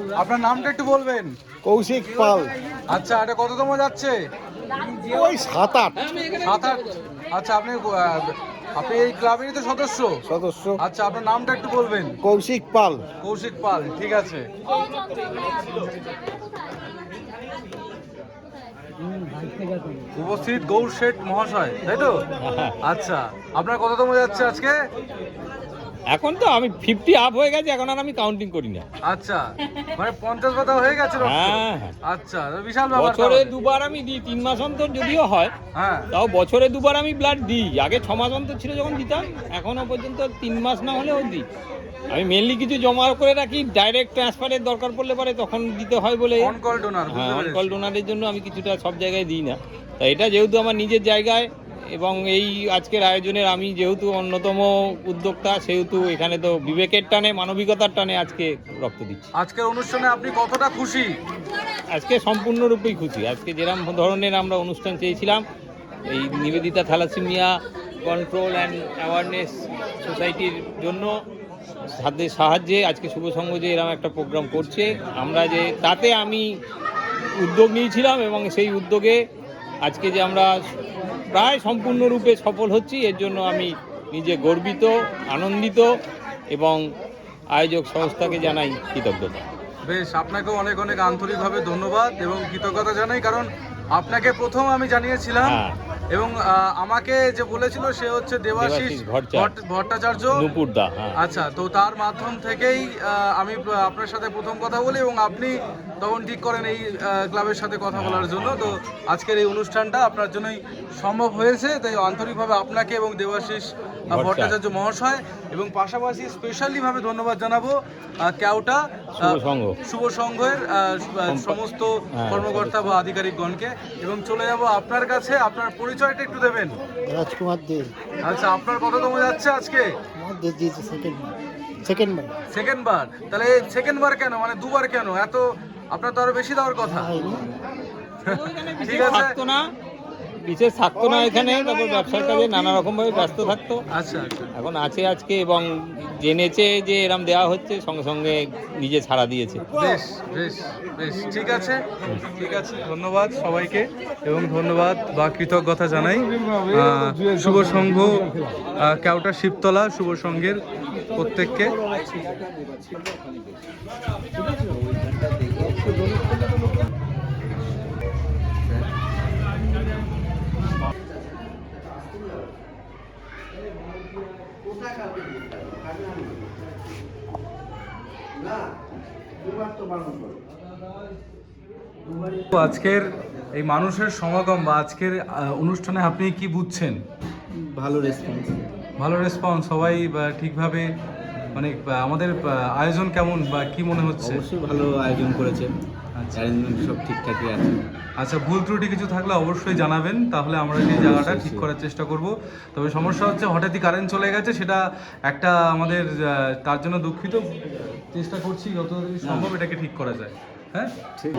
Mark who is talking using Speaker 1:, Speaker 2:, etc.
Speaker 1: আপনার নামটা একটু বলবেন?
Speaker 2: কৌশিক পাল।
Speaker 1: আচ্ছা, এটা কততম যাচ্ছে?
Speaker 2: ওই 7-8।
Speaker 1: 7-8। আচ্ছা, আপনি এই ক্লাবেরই তো সদস্য?
Speaker 2: সদস্য।
Speaker 1: আচ্ছা, আপনার নামটা একটু বলবেন?
Speaker 2: কৌশিক পাল।
Speaker 1: কৌশিক পাল, ঠিক আছে। উপস্থিত গৌর শেঠ মহাশয়, তাই তো? আচ্ছা, আপনার কততম যাচ্ছে আজকে?
Speaker 3: এখন তো আমি 50 আপ হয়ে গেছে, এখন আর আমি কাউন্টিং করি না।
Speaker 1: আচ্ছা, মানে 50 পাতা হয়ে গেছে রক্ত?
Speaker 3: হ্যাঁ।
Speaker 1: আচ্ছা, বিশাল ব্যাপার।
Speaker 3: বছরে দুবার আমি দিই, 3 মাস অন্তর যদিও হয়,
Speaker 1: হ্যাঁ,
Speaker 3: তাও বছরে দুবার আমি ব্লাড দিই। আগে 6 মাস অন্তর ছিল যখন দিতাম, এখনো পর্যন্ত 3 মাস না হলেও দিই। আমি মেনলি কিছু জমা করে রাখি, ডাইরেক্ট ট্রান্সফারের দরকার পড়লে পরে তখন দিতে হয় বলে।
Speaker 1: On call donor.
Speaker 3: হ্যাঁ, অন কল ডোনারের জন্য আমি কিছুটা সব জায়গায় দিই না। তা এটা যেহেতু আমার নিজের জায়গায় এবং এই আজকের আয়োজনের আমি যেহেতু অন্যতম উদ্যোক্তা, সেহেতু এখানে তো বিবেকের টানে, মানবিকতার টানে আজকে রক্ত দিচ্ছি।
Speaker 1: আজকের অনুষ্ঠানে আপনি কতটা খুশি?
Speaker 3: আজকে সম্পূর্ণরূপেই খুশি। আজকে যেরকম ধরনের আমরা অনুষ্ঠান চেয়েছিলাম, এই Nivedita thalassemia control and awareness সোসাইটির জন্য তাদের সাহায্যে আজকে শুভ সংঘ যে এরকম একটা প্রোগ্রাম করছে, আমরা যে তাতে আমি উদ্যোগ নিয়েছিলাম এবং সেই উদ্যোগে আজকে যে আমরা প্রায় সম্পূর্ণরূপে সফল হচ্ছি, এর জন্য আমি নিজে গর্বিত, আনন্দিত এবং আয়োজক সংস্থাকে জানাই কৃতজ্ঞতা।
Speaker 1: বেশ, আপনাকেও অনেক অনেক আন্তরিকভাবে ধন্যবাদ এবং কৃতজ্ঞতা জানাই, কারণ আপনাকে প্রথম আমি জানিয়েছিলাম এবং আমাকে যে বলেছিল সে হচ্ছে দেবাশিস ভট্টাচার্য
Speaker 3: নুপুরদা।
Speaker 1: আচ্ছা, তো তার মাধ্যম থেকেই আমি আপনার সাথে প্রথম কথা বলি এবং আপনি তখন ঠিক করেন এই ক্লাবের সাথে কথা বলার জন্য। তো আজকের এই অনুষ্ঠানটা আপনার জন্যই সম্ভব হয়েছে, তাই আন্তরিকভাবে আপনাকে এবং দেবাশিস ভট্টাচার্য মহাশয় এবং পাশাপাশি স্পেশালিভাবে ধন্যবাদ জানাবো কেওটা শুভ সংঘের সমস্ত কর্মকর্তা বা আধিকারিকগণকে। এবং চলে যাব আপনার কাছে, আপনার পরিচয়টা একটু দেবেন?
Speaker 2: রাজকুমার দে।
Speaker 1: আচ্ছা, আপনার কততম যাচ্ছে আজকে? সেকেন্ড বার। তাহলে সেকেন্ড বার কেন, মানে দুবার কেন? এত আপনার তো আরো বেশি দেওয়ার কথা। ঠিক আছে,
Speaker 3: বিশেষ থাকতো না এখানে, তারপর ব্যবসার কাজে নানা রকম ভাবে ব্যস্ত থাকতো।
Speaker 1: আচ্ছা,
Speaker 3: এখন আছে আজকে এবং জেনেছে যে এরম দেওয়া হচ্ছে, সঙ্গে সঙ্গে নিজে ছাড়া দিয়েছে।
Speaker 1: বেশ বেশ বেশ, ঠিক আছে, ঠিক আছে। ধন্যবাদ সবাইকে এবং ধন্যবাদ বা কৃতজ্ঞতা জানাই শুভ সংঘ কেওটা শিবতলা শুভ সংঘের প্রত্যেককে। আজকের এই মানুষের সমাগম বা আজকের অনুষ্ঠানে আপনি কি বুঝছেন?
Speaker 2: ভালো রেসপন্স।
Speaker 1: ভালো রেসপন্স, সবাই ঠিকভাবে, মানে আমাদের আয়োজন কেমন বা কি মনে হচ্ছে?
Speaker 2: অবশ্যই ভালো আয়োজন করেছে, অ্যারেঞ্জমেন্ট সব ঠিকঠাকই আছে।
Speaker 1: আচ্ছা, ভুল ত্রুটি কিছু থাকলে অবশ্যই জানাবেন, তাহলে আমরা সেই জায়গাটা ঠিক করার চেষ্টা করব। তবে সমস্যা হচ্ছে হঠাৎই কারেন্ট চলে গেছে, সেটা একটা আমাদের, তার জন্য দুঃখিত। চেষ্টা করছি যত সম্ভব এটাকে ঠিক করা যায়। হ্যাঁ,
Speaker 2: ঠিক।